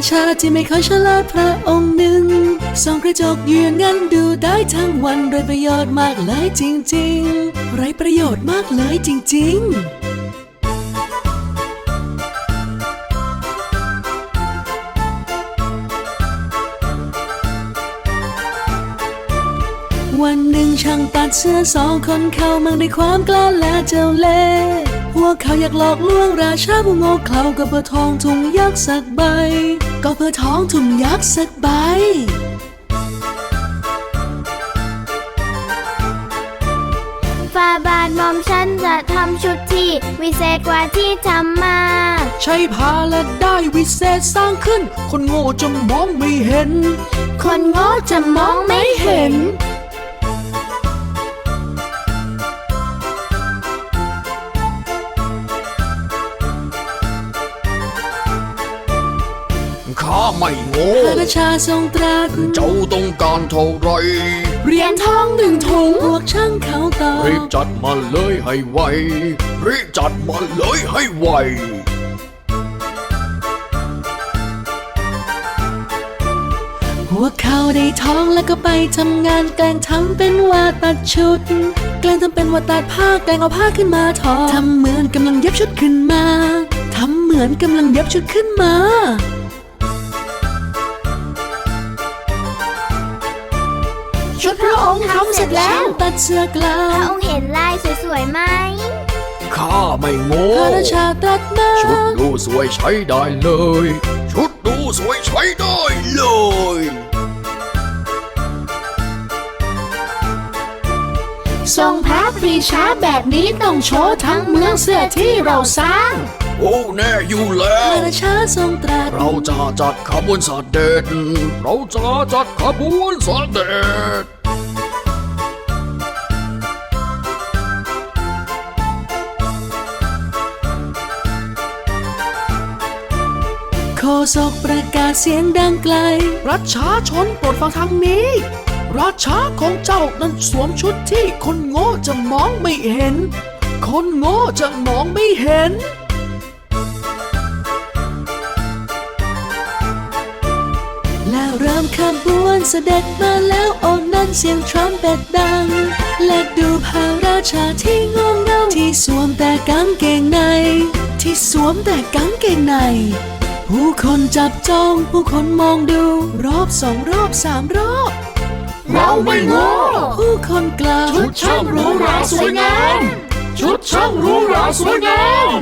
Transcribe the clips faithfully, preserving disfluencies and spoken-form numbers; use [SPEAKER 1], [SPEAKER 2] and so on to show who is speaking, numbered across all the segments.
[SPEAKER 1] ชาที่ไม่ค่อยฉลาดพระองค์หนึ่งส่องกระจกอยู่อย่างนั้นดูได้ทั้งวันไรประโยชน์มากเลยจริงๆไรประโยชน์มากเลยจริงๆวันหนึ่งช่างตัดเสื้อสองคนเข้ามังด้วยความกล้าและเจ้าเล่ห์พวกเขาอยากหลอกลวงราชาผู้โง่เขลาก็เพื่อทองถุงยักษ์สักใบก็เพื่อทองถุงยักษ์สักใบ
[SPEAKER 2] ฝ่าบาทหม่อมฉันจะทำชุดที่วิเศษกว่าที่ทำมา
[SPEAKER 1] ใช้ผ้าและได้วิเศษสร้างขึ้นคนโง่จะมองไม่เห็น
[SPEAKER 2] คนโง่จะมองไม่เห็น
[SPEAKER 3] ข้าไม่โง่
[SPEAKER 1] พระราชาทรงตรัส
[SPEAKER 3] เจ้าต้องการเท่าไร
[SPEAKER 1] เหรียญทองหนึ่งถุงพวกช่างเขาตอบ
[SPEAKER 3] รีบจัดมาเลยให้ไวรีบจัดมาเลยให้ไว
[SPEAKER 1] พวกเขาได้ทองแล้วก็ไปทำงานแกล้งทำเป็นว่าตัดชุดแกล้งทำเป็นว่าตัดผ้าแกล้งเอาผ้าขึ้นมาทอทำเหมือนกำลังเย็บชุดขึ้นมาทำเหมือนกำลังเย็บชุดขึ้นมา
[SPEAKER 2] ชุดพระองค์ทำเสร็จแล้ว
[SPEAKER 1] ตัดเสื้อกลา
[SPEAKER 2] พระองค์เห็นลายสวยๆไหม
[SPEAKER 3] ข้าไม่โง่
[SPEAKER 1] พระราชาตรัสมา
[SPEAKER 3] ชุดดูสวยใช้ได้เลยชุดดูสวยใช้ได้เลย
[SPEAKER 1] ทรงพระปรีชาแบบนี้ต้องโชว์ทั้งเมืองเสื้อที่เราสร้าง
[SPEAKER 3] โอ้แน่อยู่แล้ว
[SPEAKER 1] พระราชาทรงตรัส
[SPEAKER 3] เราจะจัดขบวนเสด็จเราจะจัดขบวนเสด็จ
[SPEAKER 1] โฆษกประกาศเสียงดังไกลประชาชนโปรดฟังทางนี้ราชาของเจ้านั้นสวมชุดที่คนโง่จะมองไม่เห็นคนโง่จะมองไม่เห็นแล้วเริ่มขบวนเสด็จมาแล้วโอ้นั้นเสียงทรัมเป็ตดังและดูพระราชาที่งงเงาที่สวมแต่กางเกงในที่สวมแต่กางเกงในผู้คนจับจ้องผู้คนมองดูรอบสองรอบสามรอบ
[SPEAKER 3] เราไม่โง่
[SPEAKER 1] ผู้คนกล่าว
[SPEAKER 3] ชุดช่างหรูหราสวยงามชุดช่างหรูหราสวยงาม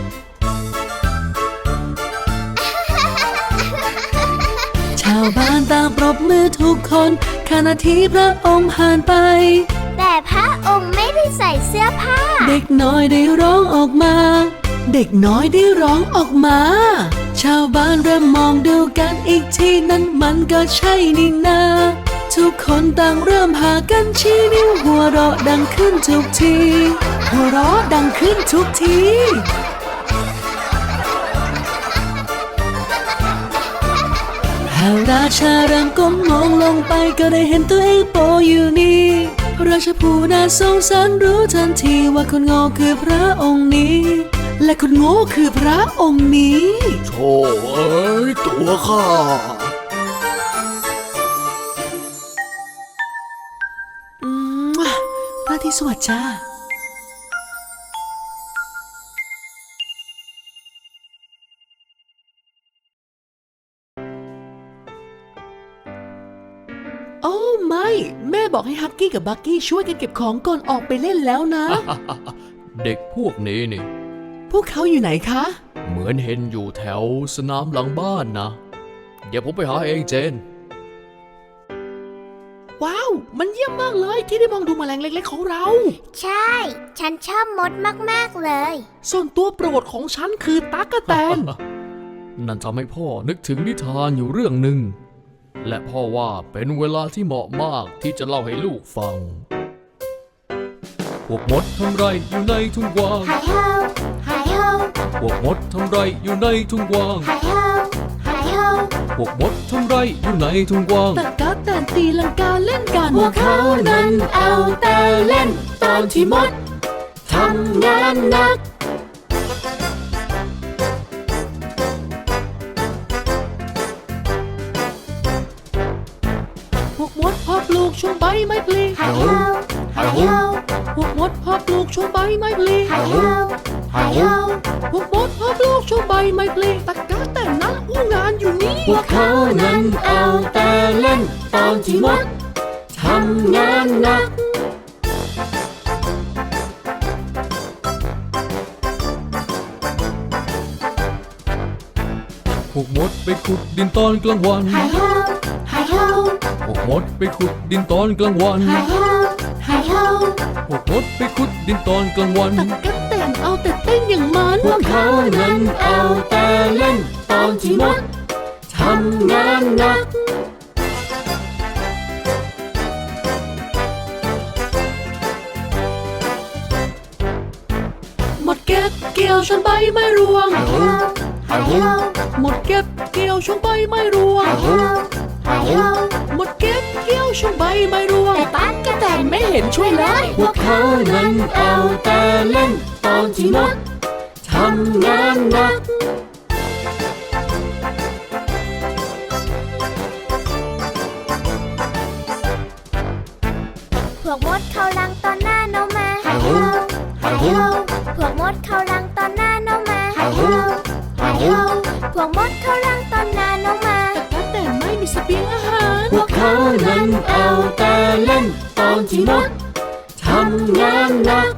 [SPEAKER 1] ชาวบ้านต่างปรบมือทุกคนขณะที่พระองค์ผ่านไป
[SPEAKER 2] แต่พระองค์ไม่ได้ใส่เสื้อผ้า
[SPEAKER 1] เด็กน้อยได้ร้องออกมาเด็กน้อยได้ร้องออกมาชาวบ้านเริ่มมองดูกันอีกทีนั้นมันก็ใช่นี่นาทุกคนต่างเริ่มพากันชี้นิ้วหัวเราะดังขึ้นทุกทีหัวเราะดังขึ้นทุกทีพระราชาเริ่มก้มมองลงไปก็ได้เห็นตัวเองโปอยู่นี่ราชผู้น่าสงสารรู้ทันทีว่าคนโง่คือพระองค์นี้และคนโง่คือพระองค์นี้
[SPEAKER 3] โธ่เอ้ยตัวข้า
[SPEAKER 1] อืมพระที่สวัสดิ์จ้าโอ้ไม่แม่บอกให้ฮักกี้กับบักกี้ช่วยกันเก็บของก่อนออกไปเล่นแล้วนะ
[SPEAKER 3] เด็กพวกนี้นี่
[SPEAKER 1] พวกเขาอยู่ไหนคะ
[SPEAKER 3] เหมือนเห็นอยู่แถวสนามหลังบ้านนะเดี๋ยวผมไปหาเองเจน
[SPEAKER 1] ว้าวมันเยี่ยมมากเลยที่ได้มองดูแมลงเล็กๆของเรา
[SPEAKER 2] ใช่ฉันชอบมดมากๆเลย
[SPEAKER 1] ส่วนตัวโปรดของฉันคือตั๊กแตน
[SPEAKER 3] นั่นทำให้พ่อนึกถึงนิทานอยู่เรื่องหนึ่งและพ่อว่าเป็นเวลาที่เหมาะมากที่จะเล่าให้ลูกฟังพวกมดทำไรอยู่ในทุ่งกว้าง
[SPEAKER 2] ไฮโฮไฮโฮ
[SPEAKER 3] พวกมดทำไรอยู่ในทุ่งกว้าง
[SPEAKER 2] ไฮโฮไฮโฮ
[SPEAKER 3] พวกมดทำไรอยู่ในทุ่งกว้าง
[SPEAKER 1] ตั๊กแตนตีลังกาเล่นกัน
[SPEAKER 2] พวกเขานั้นเอาแต่เล่นตอนที่มดทำงาน านหนัก
[SPEAKER 1] พปลูกช่วงใบไม้ผลิ
[SPEAKER 2] ไฮโฮไฮโฮ
[SPEAKER 1] พวกมดพอปลูกช่วงใบไม้ผลิ
[SPEAKER 2] ไฮโฮไฮโฮ
[SPEAKER 1] พวกมดพอปลูกช่วงใบไม้ผลิตะกะแต่นะอู้งานอยู่นี่
[SPEAKER 3] พวกเขานั้นเอาแต่เล่นตอนที่มดทำงานหนัก พวกมดไปขุดดินตอนกลางวัน
[SPEAKER 2] ไฮโฮไฮโฮ
[SPEAKER 3] พวกมดไปขุดดินตอนกลางวัน
[SPEAKER 2] ไฮโฮไฮโฮ
[SPEAKER 3] พวกมดไปขุดดินตอนกลางวัน
[SPEAKER 1] ตะกะแต่นเอาแต่เต้นอย่างมัน
[SPEAKER 3] พวกเขานั้นเอาแต่เล่นตอนที่มดทำงานหนัก
[SPEAKER 1] หมดเก็บเกี่ยวช่วงใบไม้ร่วง
[SPEAKER 2] ไฮโฮไฮโฮ
[SPEAKER 1] หมดเก็บเกี่ยวช่วงใบไม้ร่วง
[SPEAKER 2] ไฮโฮไฮโฮ
[SPEAKER 1] หมดเก็บเกี่ยวช่วงใบไม้ร่วง
[SPEAKER 2] แต่ตั๊กกะแตน
[SPEAKER 1] ไม่เห็นช่วยเลย
[SPEAKER 3] พวกเขานั้นเอาแต่เล่นตอนที่มดทำงานหนัก
[SPEAKER 2] พวกมดเข้ารังตอนหน้าน้องมา
[SPEAKER 3] ไฮโฮไฮโฮ
[SPEAKER 2] พวกมดเข้ารังตอนหน้าน้องมา
[SPEAKER 3] ไฮโฮไฮโฮ
[SPEAKER 2] พวกมดเข้ารังตอนหน้าน้องมา
[SPEAKER 1] ตะกะแต่นไม่มีเสบียงอาหาร
[SPEAKER 3] พวกเขานั้นเอาแต่เล่นตอนที่มดทำงานหนัก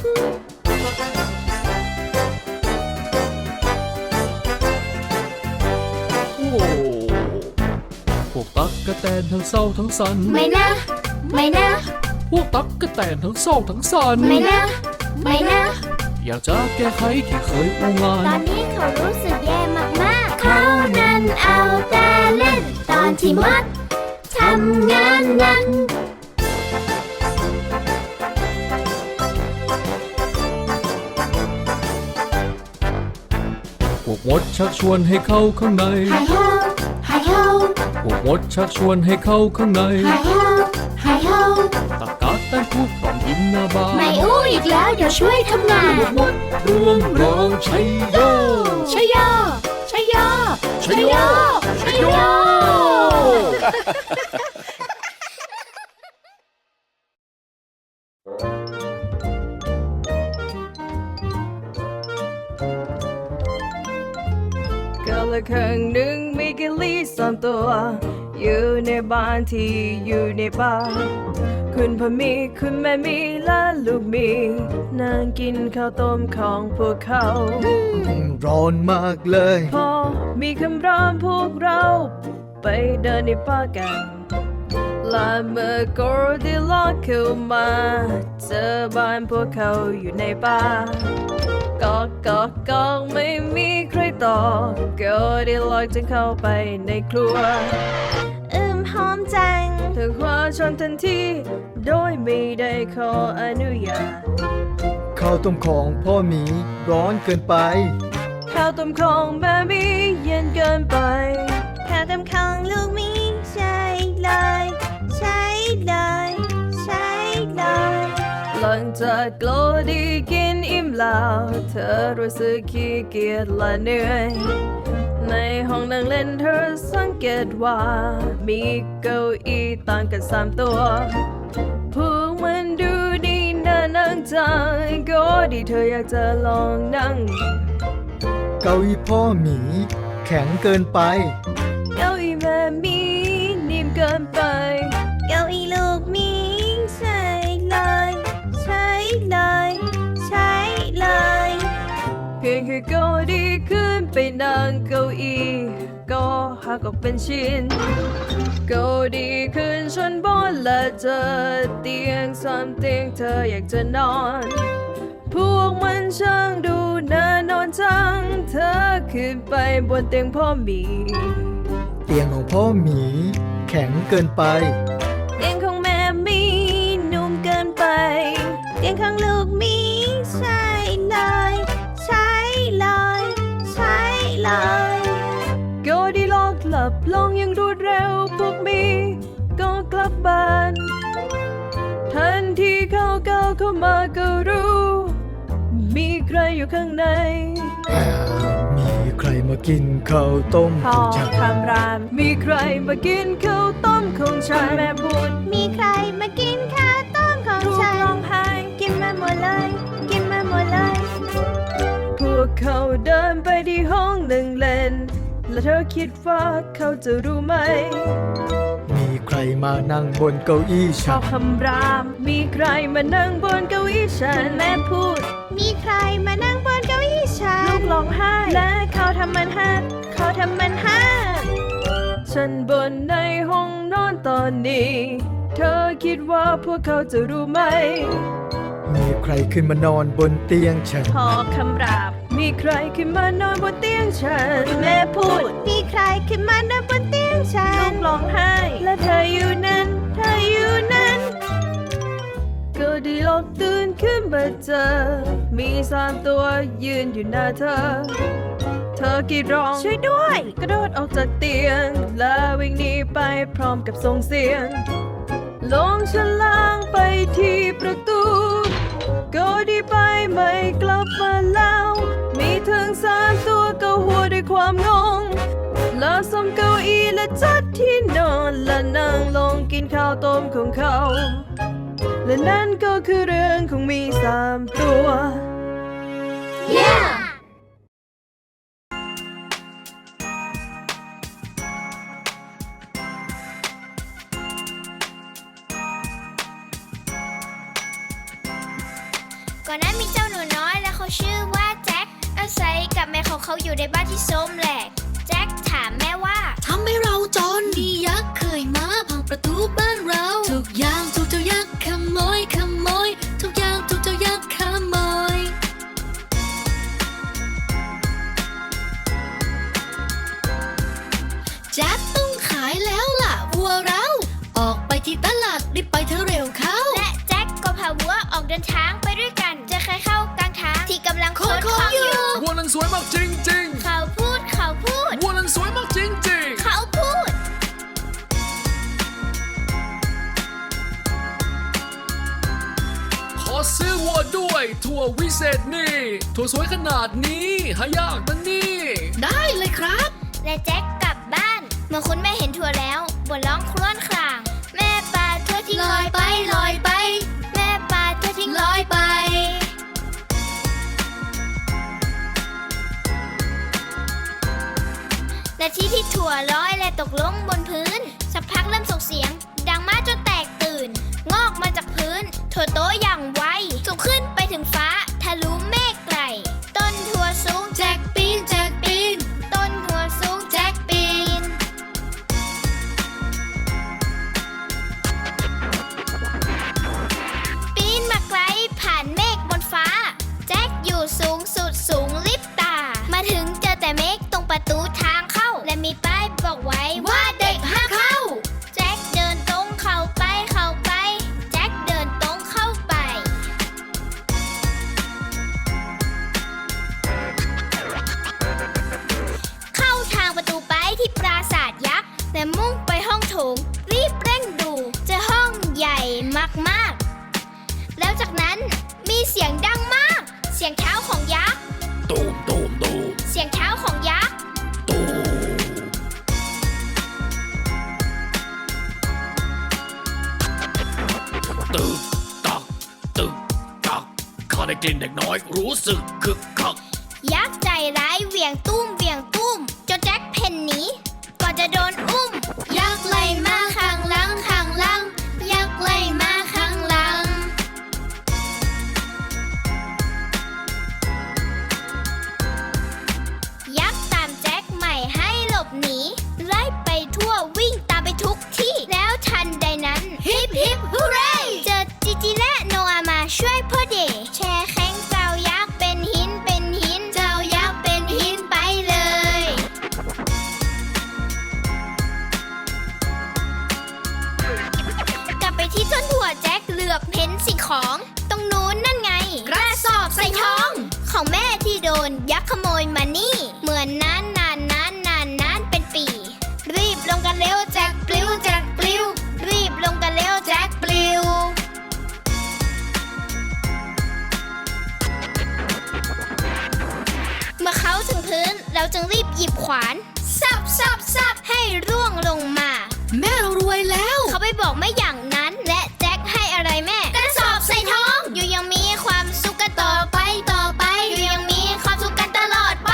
[SPEAKER 3] โอ้พวกตั๊กกะแตนทั้งเศร้าทั้งสัน
[SPEAKER 2] ไม่นะ ไม่นะ
[SPEAKER 3] พวกตั๊กกะแตนทั้งเศร้าทั้งสัน
[SPEAKER 2] ไม่นะ ไม่นะ
[SPEAKER 3] อยากจะแก้ไขที่เคยอู้งา
[SPEAKER 2] ตอน นนี้เขารู้สึกแย่มากๆ เขานั้นเอาแต่เล่นตอนที่มดทำงานหนัก
[SPEAKER 3] พวกมดชักชวนให้เข้าข้างใน
[SPEAKER 2] ไฮโฮไฮโฮ
[SPEAKER 3] พวกมดชักชวนให้เข้าข้างใน
[SPEAKER 2] ไฮโฮไฮโฮ
[SPEAKER 3] ตะกาแตนพูดกล่อมยิ้มหน้าบาน
[SPEAKER 2] ไม่อู้อีกแล้วเดี๋ยวช่วยทำงาน
[SPEAKER 3] พวกมดรวมร้องชัยโย
[SPEAKER 1] ชัยโยชัยโย
[SPEAKER 3] ชัยโยชัยโย
[SPEAKER 4] กาละครั้งหนึ่งมีกิลลี่สามตัว อยู่ในบ้านที่อยู่ในป่าคุณพ่อมีคุณแม่มีและลูกมีนั่งกินข้าวต้มของพวกเขา
[SPEAKER 5] ร้อนมากเลย
[SPEAKER 4] พอมีคำรามพวกเราไปเดินในป่ากันและเมื่อกอร์ดิล็อกเข้ามาเจอบ้านพวกเขาอยู่ในป่ากอกกอกกอกไม่มีใครตอบก็ได้ลอยจึงเข้าไปในครัว
[SPEAKER 2] อืมหอมจัง
[SPEAKER 4] เธอคว้าช้อนทันทีโดยไม่ได้ขออนุญาต
[SPEAKER 5] ข้าวต้มของพ่อหมีร้อนเกินไป
[SPEAKER 4] ข้าวต้มของแม่มีเย็นเกินไป
[SPEAKER 2] ข้าวต้มของลูกมีใช่เลย ใช่เลย ใช่เลย
[SPEAKER 4] หลังจากโกลดีกินอิ่มแล้วเธอรู้สึกขี้เกียจและเหนื่อยในห้องนั่งเล่นเธอสังเกตว่ามีเก้าอี้ต่างกันสามตัวพวกมันดูดีน่านั่งจังก็ดีเธออยากจะลองนั่ง
[SPEAKER 5] เก้าอี้พ่อหมีแข็งเกินไป
[SPEAKER 4] เก้าอี้แม่มีนิ่มเกินไป
[SPEAKER 2] เก้าอี้ลูกมีใช่เลย ใช่เลย ใช่เลย
[SPEAKER 4] เพียงแค่เก้าดีขึ้นไปนั่งเก้าอี้ก็หักออกเป็นชิ้นเก้าดีขึ้นชั้นบนและเจอเตียงสามเตียงเธออยากจะนอน พวกมันช่างดูน่านอนจังเธอขึ้นไปบนเตียงพ่อหมี
[SPEAKER 5] เตียงของพ่อหมีแข็งเกินไป
[SPEAKER 4] เตียงของแม่มีนุ่มเกินไป
[SPEAKER 2] เตียงของลูกมีใช่เลย ใช่เลย ใช่เลย
[SPEAKER 4] ก็ดีลอกหลับลงอยังรวดเร็วพวกมีก็กลับบ้านทันทีเขาก้าวเข้ามาก็รู้ มีใครอยู่ข้างใน
[SPEAKER 5] มีใครมากินข้าวต้ม
[SPEAKER 4] พ่
[SPEAKER 5] ข
[SPEAKER 4] อ
[SPEAKER 5] องฉัน
[SPEAKER 4] คำราม มีใครมากินข้าวต้มของฉันแม่พูด
[SPEAKER 2] มีใครมากินข้าวต้มของ
[SPEAKER 4] ทุก
[SPEAKER 2] ฉัน
[SPEAKER 4] ร้องไห้
[SPEAKER 2] กินมาหมดเลย กินมาหมดเลย
[SPEAKER 4] พวกเขาเดินไปที่ห้องหนึ่งเล่น และเธอคิดว่าเขาจะรู้ไหม
[SPEAKER 5] มีใครมานั่งบนเก้าอี้
[SPEAKER 4] ช
[SPEAKER 5] ฉั
[SPEAKER 4] อน บคำราม มีใครมานั่งบนเก้าอี้ฉันแม่พูด
[SPEAKER 2] มีใครมานั่งบนเก้าอี้ฉั
[SPEAKER 4] ลู
[SPEAKER 2] น
[SPEAKER 4] กร้องไห้ และเขาทำมันฮัด
[SPEAKER 2] เขาทำมันห้า
[SPEAKER 4] ฉันบนในห้องนอนตอนนี้ เธอคิดว่าพวกเขาจะรู้ไหม
[SPEAKER 5] มีใครขึ้นมานอนบนเตียงฉัน
[SPEAKER 4] พอคำราม มีใครขึ้นมานอนบนเตียงฉันแม่พูด
[SPEAKER 2] มีใครขึ้นมานั่งบนเตียงฉั
[SPEAKER 4] ลู
[SPEAKER 2] น
[SPEAKER 4] กร้องไห้ และเธออยู่นั้น เธออยู่นั้นก็ดีลกตื่นขึ้นมาเจอ มีสามตัวยืนอยู่หน้าเธอ เธอกรีดร้องช่วยด้วย กระโดดออกจากเตียง และวิ่งหนีไปพร้อมกับส่งเสียง ลงชั้นล่างไปที่ประตูก็ดีไปไม่กลับมาแล้ว มีถึงสามตัวก็หัวด้วยความงง แล้วสมเก้าอี้และจัดที่นอนและนั่งลงกินข้าวต้มของเขา และนั่นก็คือเรื่องของมีสามตัว
[SPEAKER 2] yeah! ก่อนหน้ามีเจ้าหนูน้อยและเขาชื่อว่าแจ็คอาศัยกับแม่ของเขาอยู่ในบ้านที่โซมแหลกแจ็คถามแม่ว่าทำให้เราจนมียักษ์เคยมาพังประตูบ้านเราทุกอย่างถูกเจ้ายักษ์ขโมยขโมยทุกอย่างถูกเจ้ายักษ์ขโมยแจ็คต้องขายแล้วล่ะวัวเราออกไปที่ตลาดรีบไปเธอเร็วเข้าและแจ็คก็พาวัวออกเดินทางไปด้วยกันเจอใครเข้ากลางทางที่กำลังขนของอยู่
[SPEAKER 3] วัวนั้นสวยมากจริง
[SPEAKER 2] เขาพูดเขาพูด
[SPEAKER 3] ๆ วัวนั้นสวยมากจริง
[SPEAKER 2] เขาพูด
[SPEAKER 3] ๆ ขอซื้อวัวด้วยถั่ววิเศษนี่ถั่วสวยขนาดนี้หายากนะนี่
[SPEAKER 2] ได้เลยครับ และแจ็คกลับบ้านเมื่อคุณแม่เห็นถั่วแล้วบ่นร้องครวญคราง แม่ปลาถั่วทิ้งลอยไปลอยไป แม่ปลาถั่วทิ้งลอยไปนาทีที่ถั่วลอยและตกลงบนพื้นสักพักเริ่มส่งเสียงดังมากจนแตกตื่น งอกมาจากพื้นถั่วโตอย่างไวสูงขึ้นไปถึงฟ้าทะลุเมฆไกลต้นถั่วสูงแจ็คปีนแจ็คปีนต้นถั่วสูงแจ็คปีนปีนมาไกลผ่านเมฆบนฟ้าแจ็คอยู่สูงสุดสูงลิบตามาถึงเจอแต่เมฆตรงประตูทางเข้าและมีป้ายบอกไว้ว่าเด็กห้ามเข้าแจ็คเดินตรงเข้าไปเข้าไปแจ็คเดินตรงเข้าไปเข้าทางประตูไปที่ปราสาทยักษ์และมุ่งไปห้องโถงรีบเร่งดูเจอห้องใหญ่มากๆแล้วจากนั้นมีเสียงดังมากเสียงเท้าของยักษ์
[SPEAKER 3] ตูมตูมตูม
[SPEAKER 2] เสียงเท้าของยักษ์
[SPEAKER 3] ตูมตึกตักตึกตักข้าได้กลิ่นเด็กน้อยรู้สึกคึกคัก
[SPEAKER 2] ยักษ์ใจร้ายเหวี่ยงตุ้มเหวี่ยงตุ้มจนแจ็คเพ่นหนีก่อนจะโดนอุ้มยักษ์ไล่มาข้างหลังข้างหลังยักษ์ไล่มาข้างหลังยักษ์ตามแจ็คใหม่ให้หลบหนีไล่ไปทั่ววิ่งตามไปทุกที่แล้วทันใดนั้นฮิปฮิปฮูเร่เจอจิจิและโนอามาช่วยพ่อเดแช่แข็งเจ้ายักษ์เป็นหินเป็นหินเจ้ายักษ์เป็นหินไปเลยเราจึงรีบหยิบขวานสับสับสับให้ร่วงลงมา
[SPEAKER 1] แม่เรารวยแล้ว
[SPEAKER 2] เขาไปบอกแม่อย่างนั้นและแจ็คให้อะไรแม่กระสอบใส่ท้องอยู่ยังมีความสุขกันต่อไปต่อไปอยู่ยังมีความสุขกันตลอดไป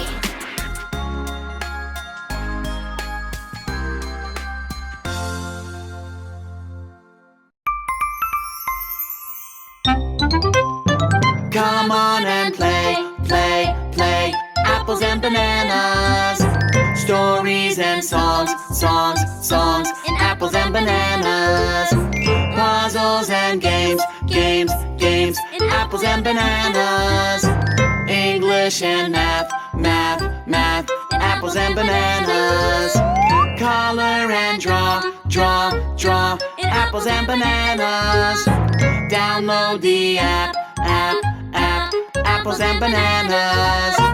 [SPEAKER 6] Come on and play, play, play. Apples and bananas. Stories and songs, songs, songs. And apples and bananas. Puzzles and games, games, games. And apples and bananas. English and math, math, math. Apples and bananas. Color and draw, draw, draw. Apples and bananas. Download the app, app, app. Apples and bananas.